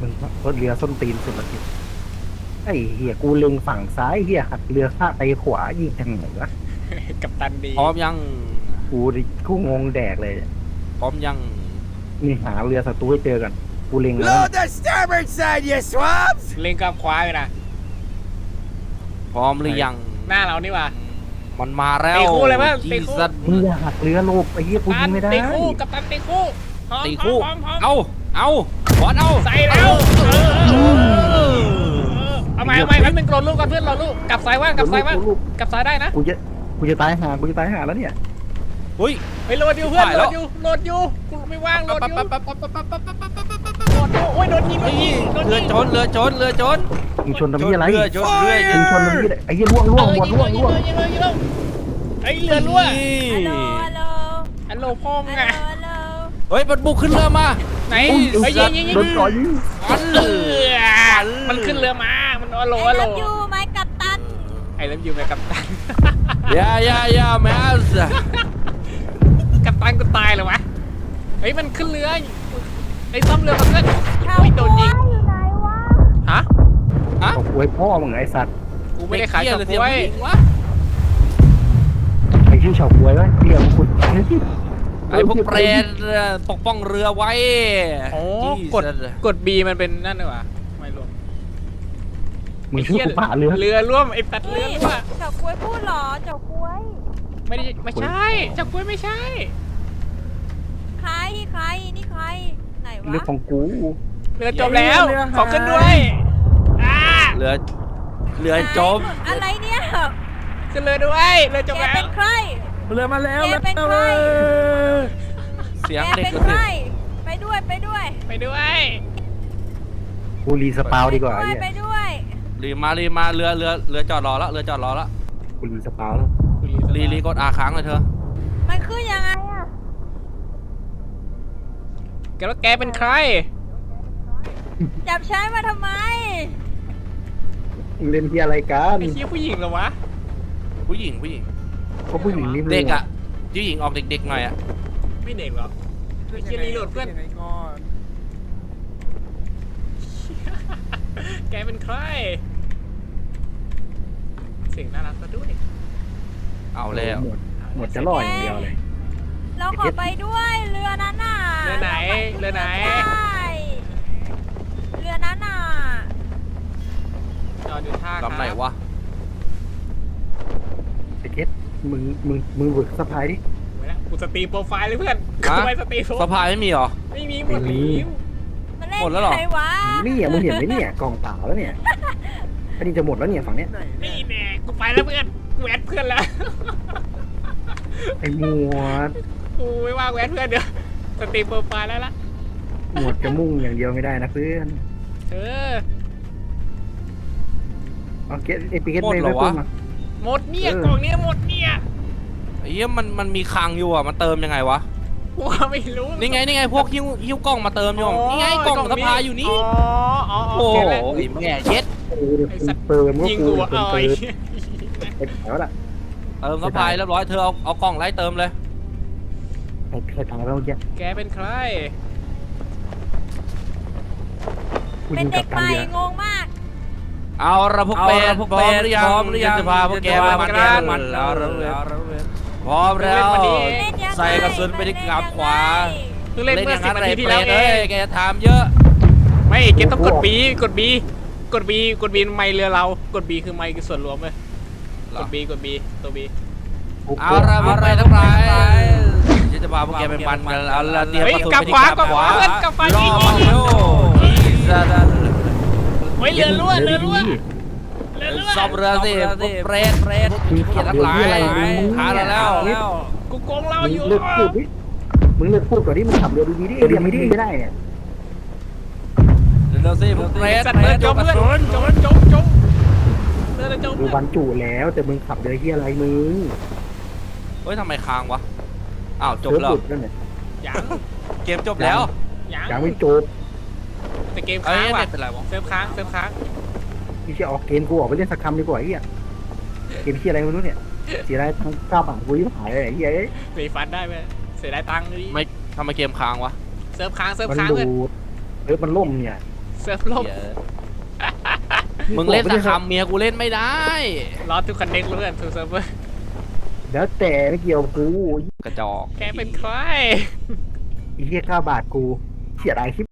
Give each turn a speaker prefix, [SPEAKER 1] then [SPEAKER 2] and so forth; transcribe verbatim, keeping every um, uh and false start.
[SPEAKER 1] มึงรถเรือส้นตีนสุดละทีไอ้เหี้ยกูเล็งฝั่งซ้ายเหี้ยหักเรือข้าไปขวายิงทางไหนวะ
[SPEAKER 2] กับตันดี
[SPEAKER 3] พร้อมยัง
[SPEAKER 1] กูดิกูงงแดกเลย
[SPEAKER 3] พร้อมยัง
[SPEAKER 1] นี่หาเรือศัตรูให้เจอกันกูเล็งแล้ว
[SPEAKER 4] Load the starboard side, you swabs!
[SPEAKER 2] เล็งกับขวาเลยนะ
[SPEAKER 3] พร้อมหรือยัง
[SPEAKER 2] หน้าเรานี่ว่ะ
[SPEAKER 3] มันมาแล้ว
[SPEAKER 2] ตีคู่เลยมั้ยตี
[SPEAKER 3] จี
[SPEAKER 2] คู่
[SPEAKER 3] สัน
[SPEAKER 1] มึงอย่าหักเรือโลกไอ้เหี้ยกูยิงไม่ได้
[SPEAKER 2] ตีคู่กับตันตีคู่พร้อม
[SPEAKER 3] ตีคู่
[SPEAKER 2] พร้อมพร้อม
[SPEAKER 3] เอาเอาบอลเอา
[SPEAKER 2] ใส่แล้วเออเออเออเอาใหม่เอาใหม่แป๊บนึงโกรธลูกกันเพื่อนเราลูกกลับซ้ายว่างกลับซ้ายว่างกลับซ้ายได้นะ
[SPEAKER 1] กูจะกูจะตายหากูจะตายหาแล้วเนี่ย
[SPEAKER 3] เฮ้ย
[SPEAKER 2] ไปโหลดอยู่เพื่อน
[SPEAKER 3] ถ่าย
[SPEAKER 2] โหล
[SPEAKER 3] แล้ว
[SPEAKER 2] ดอยู่โหลดอยู่กูไม่ว่างโหลดอยู่
[SPEAKER 3] ปั๊บปั๊บปั๊บปั๊บปั๊บปั๊บปั๊บปั๊บปั๊บปั๊บ
[SPEAKER 2] โหลดอยู่โอ้ยโดนยิงโดน
[SPEAKER 3] นี่
[SPEAKER 2] ยิงโดน
[SPEAKER 3] เรื
[SPEAKER 2] ยิ
[SPEAKER 3] อง ชนเรือชนเรือชน
[SPEAKER 1] มึงชนทำเหี้ยอะไร
[SPEAKER 3] เรือชนเรือ
[SPEAKER 1] มึงชนทำเหี้ยอะไรไอ้เหี้ยล่วงล่วงหมดล่วงล่วง
[SPEAKER 2] ยิงเลยยิงเลยยิงเลยไอ้เรือรั่ว
[SPEAKER 5] ฮัลโหลฮัลโหล
[SPEAKER 2] ฮัลโหลพ่อมึ
[SPEAKER 5] ฮั
[SPEAKER 2] ง
[SPEAKER 5] ลโหล
[SPEAKER 2] อะ
[SPEAKER 5] ฮัลโหล
[SPEAKER 3] เฮ้ยมันบุกขึ้นเรือมา
[SPEAKER 2] ไหน
[SPEAKER 1] อุ้ย
[SPEAKER 2] เฮ้ยยิงยิงยิง
[SPEAKER 1] โดนต่อยยิง
[SPEAKER 3] อัน
[SPEAKER 2] เออมันขึ้นเรือมามันฮัลโหล
[SPEAKER 5] ไอ้
[SPEAKER 2] ฮัลโหล
[SPEAKER 5] รับอยู่ไหมกัปตัน
[SPEAKER 2] ไอ้เลิฟยูไหมกัปตัน
[SPEAKER 3] อย่าอย่าอย่าแมส
[SPEAKER 2] กัปตันกูตายเลยวะเฮ้ยมันขึ้นเรือไอ้ซ่อมเรือมาเพื่อน
[SPEAKER 5] ชาว
[SPEAKER 2] โอ้ยโดนยิง
[SPEAKER 5] อยู่ไหนวะ
[SPEAKER 2] ฮะ
[SPEAKER 3] ฮะ
[SPEAKER 1] ตกไว้พ่อมึงไอ้สัตว์
[SPEAKER 2] กูไม่ได้ขาย
[SPEAKER 3] เหี้
[SPEAKER 2] เฉา
[SPEAKER 3] เลย
[SPEAKER 2] ก๊
[SPEAKER 3] เสียง
[SPEAKER 2] วย
[SPEAKER 3] ผู้หญิงวะ
[SPEAKER 1] ไอ้ชื่อเฉาก๊วยวะเรียกคุณ
[SPEAKER 3] ไอ้พวกเปรตปกป้องเรือไว้
[SPEAKER 2] โอ้
[SPEAKER 3] จี้
[SPEAKER 2] กด
[SPEAKER 3] สัตว์
[SPEAKER 2] กด B มันเป็นนั่นเลยวะไม่รวม
[SPEAKER 1] มึงชื่อกูป่าเรือ
[SPEAKER 2] เรือร่วมไอ้ตัดเรื
[SPEAKER 5] เฮ้
[SPEAKER 2] อย ร่วม
[SPEAKER 5] เจ้ากล้วยพูดเหรอเจ้ากล้วย
[SPEAKER 2] ไม่ได้ไม่ใช่เฉาก๊วยไม่ใช่
[SPEAKER 5] ใครใครนี่ใครไหนวะ
[SPEAKER 1] เรือของกู
[SPEAKER 2] เรือจมแล้วขอขึ้นด้วยอ่า
[SPEAKER 3] เรือเรือจม
[SPEAKER 5] อะไรเนี่ย
[SPEAKER 2] ขึ้นเรือด้วยเรือจม
[SPEAKER 5] แก
[SPEAKER 2] แล้ว
[SPEAKER 5] เป็นใคร
[SPEAKER 1] เรือมาแล้ว
[SPEAKER 5] แกเป็นใคร
[SPEAKER 3] เสียง
[SPEAKER 5] แก
[SPEAKER 3] เด็ก
[SPEAKER 5] เป็น
[SPEAKER 3] ก็
[SPEAKER 5] ใค
[SPEAKER 3] เสี
[SPEAKER 5] ร
[SPEAKER 3] ยง
[SPEAKER 5] ไปด้วยไปด้วย
[SPEAKER 2] ไปด้วย
[SPEAKER 1] กูรีสปาวดีกว่า
[SPEAKER 5] ไป
[SPEAKER 1] ไอ้
[SPEAKER 5] ด้วยไป
[SPEAKER 1] เหี้ย
[SPEAKER 5] ด้วย
[SPEAKER 3] รีมารีมาเรือเรือเรือจอดรอแล้วเรือจอดรอแล้ว
[SPEAKER 1] กูรีสปาวแล้ว
[SPEAKER 3] รีรีกดอาค้างเลยเธอ
[SPEAKER 5] มันขึ้นยังไงอะ
[SPEAKER 2] แกแล้วแกเป็นใคร
[SPEAKER 5] จับใช้มาทำไม
[SPEAKER 1] มึงเล่นที่อะไรกัน
[SPEAKER 2] ไอ้เหี้ยผู้หญิงเหรอวะ
[SPEAKER 3] ผู้หญิงผู้หญิง
[SPEAKER 1] ก็ผู้หญิงนี่มึง
[SPEAKER 3] เด็กอ่ะผู้หญิงออกเด็กๆหน่อยอ่ะ
[SPEAKER 2] ไม่เด็กหรอกไอ้เหี้ยรีโหลดเพื่อนแกเป็นใครเสียงน่ารักซะด้วย
[SPEAKER 3] เอาแล้ว
[SPEAKER 1] หมดหมดจะล่ออย่างเดียวเลย
[SPEAKER 5] เราขอไปด้วยเรือนั้นน่ะ
[SPEAKER 2] เรือไหนเรือไหน
[SPEAKER 5] ได้เรือนั้นน่ะ
[SPEAKER 2] จอดอยู่ท่า
[SPEAKER 3] ลำไหนวะ
[SPEAKER 1] ไอ้เก็ตมึงมึงมึงบึกสะพายดิ
[SPEAKER 2] ไม่ละกูสตรีมโปรไฟล์เลยเพื่อนกู
[SPEAKER 3] ฮะ
[SPEAKER 2] ไปสตรีมโปร
[SPEAKER 3] สะพายไม่มีเหรอ
[SPEAKER 2] ไม่มีหมด
[SPEAKER 1] ไม่มี
[SPEAKER 2] แล้ว
[SPEAKER 5] มันเล่น
[SPEAKER 3] หมดแล้วเหรอ
[SPEAKER 5] ใครวะ
[SPEAKER 1] นี่อ่ะมึงเห็นไหมเนี่ยกล่องเปล่าแล้วเนี่ยอันนี้จะหมดแล้วเนี่ยฝั่งเนี้ย
[SPEAKER 2] นี่แน่กูไปแล้วเพื่อนกูแอดเพื่อนแล้ว
[SPEAKER 1] ไอ้หมวด
[SPEAKER 2] กูไม่ว่ากูแอดเพื่อนเดี๋ยวสตรีมโปรไฟล์แล้วละ
[SPEAKER 1] หมวดจะมุ่งอย่างเดียวไม่ได้นะเพื่อน
[SPEAKER 2] เออ
[SPEAKER 1] เอาเก็ตไอ้ปีเก็ต
[SPEAKER 3] หมด
[SPEAKER 1] ไม่
[SPEAKER 3] เหร
[SPEAKER 1] ไม่
[SPEAKER 3] อ
[SPEAKER 1] พู
[SPEAKER 3] วะ
[SPEAKER 1] ดมา
[SPEAKER 2] หมดเนี่ย
[SPEAKER 1] เออ
[SPEAKER 2] กล่องเนี้ยหมดเนี่ย
[SPEAKER 3] ไอ้เหี้ยมันมันมีคลังอยู่อ่ะมันเติมยังไงวะ
[SPEAKER 2] กูไม่รู้
[SPEAKER 3] นี่ไงนี่ไงพวกหิ้วหิ้วกล้องมาเติมอยู่นี่ไงกล่องสะพายอยู่นี่
[SPEAKER 2] อ๋ออ๋อ
[SPEAKER 3] โอ้
[SPEAKER 2] โอ
[SPEAKER 3] โห
[SPEAKER 2] เคแล้ว
[SPEAKER 3] ไอ้แม่เย็ด
[SPEAKER 1] เออเดี๋ยวกูเติมก็
[SPEAKER 2] ยิง
[SPEAKER 1] กู
[SPEAKER 2] กู
[SPEAKER 1] เป็น
[SPEAKER 2] อ่ะ
[SPEAKER 1] คน
[SPEAKER 2] เอ้
[SPEAKER 1] เติ
[SPEAKER 2] ย
[SPEAKER 1] มไอ้แถวละ
[SPEAKER 3] เติมสะพายเรียบร้อยเธอเอาเอากล่องไล่เติมเลย
[SPEAKER 1] ไอ้ใครตายแล้วเมื่อกี้
[SPEAKER 2] แกเป็นใคร
[SPEAKER 1] กู
[SPEAKER 5] เป็
[SPEAKER 1] ยิ
[SPEAKER 5] น
[SPEAKER 1] ง
[SPEAKER 5] เด็
[SPEAKER 1] กับ
[SPEAKER 5] ก
[SPEAKER 1] ตั
[SPEAKER 5] ให
[SPEAKER 1] น
[SPEAKER 5] ม่
[SPEAKER 1] เดียว
[SPEAKER 5] งงมาก
[SPEAKER 3] เอาละพวกเป็ดพร้อมหรือยัง
[SPEAKER 4] พร้อมหรือยัง
[SPEAKER 3] จะพาพวกแกไปมันกันมันเอาละพร้อมแล้ว
[SPEAKER 5] เล่นยังไง
[SPEAKER 3] ใส่กระสุนไปที่กราบขวา
[SPEAKER 2] เพิ่งเล่น
[SPEAKER 3] เล่น
[SPEAKER 2] เมื่
[SPEAKER 3] อ
[SPEAKER 2] อย่าง สิบ
[SPEAKER 3] นั้น
[SPEAKER 2] นา
[SPEAKER 3] ไร
[SPEAKER 2] ทีที่
[SPEAKER 3] เปร
[SPEAKER 2] แล้ว
[SPEAKER 3] ต
[SPEAKER 2] เอ
[SPEAKER 3] เอ้ย
[SPEAKER 2] ง
[SPEAKER 3] แกจะถามเยอะ
[SPEAKER 2] ไม่เกมต้องกด B กด B กด B กด B ไม่เรือเรากด B คือไม่คือส่วนรวมเลยกด B กด B ตัว B
[SPEAKER 3] เอาละพวกไปทั้งหลายฉันจะพาพวกแกไปมันกันเอาละเตรียม
[SPEAKER 2] เฮ้ย
[SPEAKER 3] กระสุน
[SPEAKER 2] กลับ
[SPEAKER 3] ไป
[SPEAKER 2] ขวา
[SPEAKER 3] ที่กราบขวา
[SPEAKER 2] เพื่อนกลับขวาร
[SPEAKER 3] อ
[SPEAKER 2] ยิง
[SPEAKER 3] มา
[SPEAKER 2] ยิง
[SPEAKER 3] เร็วจะจะ
[SPEAKER 2] เฮ้ยเรือรั่วเรือรั่วเรือรั่ว
[SPEAKER 3] ซ่อมเรือสิพวกเปรตเปรตพวกเกียรทั้งหลายหาเราแล้ว
[SPEAKER 2] กูโกงเรา
[SPEAKER 1] มึง
[SPEAKER 2] อยู่
[SPEAKER 1] เลิกพูดดิมึงเลิกพูดก่อนที่มึงขับเรือดีๆดิเรือไม่ดีไม่ได้เนี่ย
[SPEAKER 3] เร็วสิพวกเปรต
[SPEAKER 2] สัต
[SPEAKER 3] เป
[SPEAKER 2] ว์
[SPEAKER 3] ร
[SPEAKER 2] เรือ
[SPEAKER 3] ต
[SPEAKER 2] จ
[SPEAKER 3] จ
[SPEAKER 2] ม
[SPEAKER 3] มก
[SPEAKER 2] เพื่
[SPEAKER 3] ระ
[SPEAKER 2] อน
[SPEAKER 3] สุน
[SPEAKER 2] จมจมจมเรือจม
[SPEAKER 1] กู
[SPEAKER 2] เพื่อน
[SPEAKER 1] บรรจุแล้วแต่มึงขับเรือที่อะไรมึง
[SPEAKER 3] เฮ้ยทำไมค้างวะอ้าวจบ
[SPEAKER 1] เซิร์ฟ
[SPEAKER 3] แล้ว
[SPEAKER 1] หลุดแล้วเนี่ย
[SPEAKER 2] ยัง
[SPEAKER 3] เกมจบแล้ว
[SPEAKER 2] ยัง
[SPEAKER 1] ยังไม่จบ
[SPEAKER 2] แต่เกม
[SPEAKER 3] เอ้
[SPEAKER 2] ค้าย งว่ะ
[SPEAKER 3] ไม่เป็นไรวะ
[SPEAKER 2] เซิร์ฟค้างเซิร์ฟค้าง
[SPEAKER 1] ที่จะออกเกมกูออกไปเล่นสักคำดีกว่าไอ้เหี้ยเกมที่อะไรไม่รู้เนี่ยเสียดายทั้งเก้าบาทกูยิ่งหายเลยไอ้เหี้ย
[SPEAKER 2] รีฟันได้ไหมเสียดายตังค์ดิ
[SPEAKER 3] ไม่ทำไมเกมค้างวะ
[SPEAKER 2] เซิร์ฟค้างเซิร์ฟ
[SPEAKER 1] มัน
[SPEAKER 2] ค้าง
[SPEAKER 1] ดู
[SPEAKER 2] เพื่อน
[SPEAKER 1] เซิร์ฟมันล่มเนี่ย
[SPEAKER 2] เเซิร์ฟลบ
[SPEAKER 3] เหี้ยมึงเล่นสักคำเมียกูเล่นไม่ได้
[SPEAKER 2] รอทุกคันเน็กเพื่อนทูเซิร์ฟเวอร์
[SPEAKER 1] แล้วแต่ไม่เกี่ยวกู
[SPEAKER 3] กระจอก
[SPEAKER 2] แกเป็นใคร
[SPEAKER 1] ไอ้เหี้ยเก้าบาทกูเสียดายคลิป